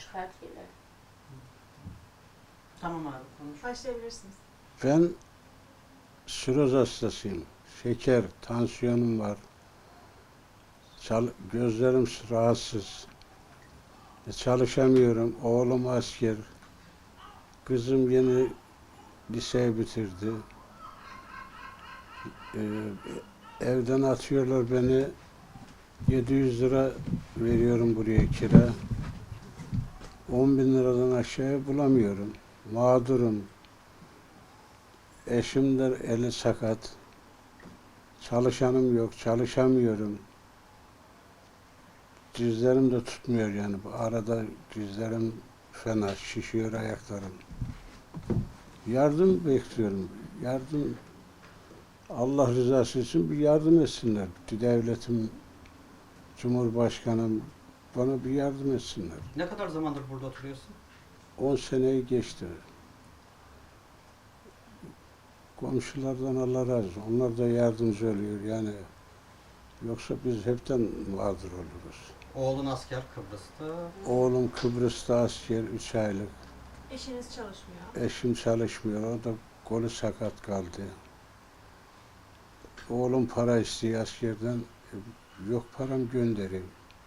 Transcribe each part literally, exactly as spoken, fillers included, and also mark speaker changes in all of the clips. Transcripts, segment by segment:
Speaker 1: Çıkartıyorlar.
Speaker 2: Tamam abi konuş.
Speaker 3: Başlayabilirsiniz.
Speaker 4: Ben siroz hastasıyım. Şeker, tansiyonum var. Çal gözlerim rahatsız. E, çalışamıyorum. Oğlum asker. Kızım yeni liseyi bitirdi. E, evden atıyorlar beni. yedi yüz lira veriyorum buraya kira. on bin liradan aşağıya bulamıyorum. Mağdurum. Eşim de eli sakat. Çalışanım yok, çalışamıyorum. Dizlerim de tutmuyor yani. Bu arada dizlerim fena, şişiyor ayaklarım. Yardım bekliyorum. Yardım, Allah rızası için bir yardım etsinler. Devletim, Cumhurbaşkanım bana bir yardım etsinler.
Speaker 2: Ne kadar zamandır burada oturuyorsun?
Speaker 4: on seneyi geçti. Komşulardan Allah razı olsun. Onlar da yardımcı oluyor yani. Yoksa biz hepten mağdur oluruz.
Speaker 2: Oğlun asker Kıbrıs'ta.
Speaker 4: Oğlum Kıbrıs'ta asker, üç aylık.
Speaker 3: Eşiniz çalışmıyor.
Speaker 4: Eşim çalışmıyor, o da kolu sakat kaldı. Oğlum para istiyor askerden, e, yok param göndereyim.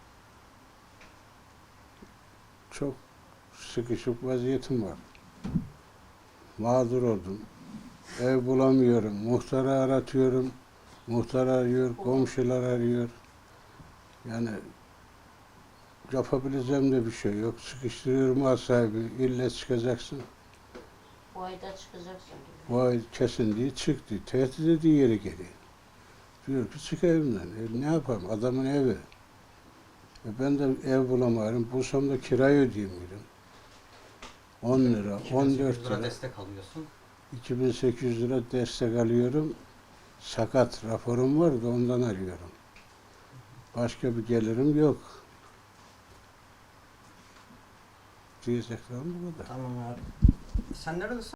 Speaker 4: Çok sıkışık vaziyetim var. Mağdur oldum. Ev bulamıyorum, muhtarı aratıyorum. Muhtar arıyor, komşular arıyor. Yani yapabileceğim de bir şey yok. Sıkıştırıyorum mal sahibi, ille çıkacaksın.
Speaker 1: Bu ayda çıkacaksın diyor.
Speaker 4: Bu ay kesin diye çıktı. Tehdit ediyor yeri geri. Diyor ki çık evimden. E, ne yapalım? Adamın evi. E, ben de ev bulamıyorum. Bulsam da kirayı ödeyemiyorum. on lira,
Speaker 2: iki bin
Speaker 4: on
Speaker 2: sekiz yüz
Speaker 4: dört
Speaker 2: lira
Speaker 4: lira.
Speaker 2: destek alıyorsun.
Speaker 4: iki bin sekiz yüz lira destek alıyorum. Sakat raporum var da ondan alıyorum. Başka bir gelirim yok. Diyeceklerim bu kadar.
Speaker 2: Tamam abi. Sen neredesin?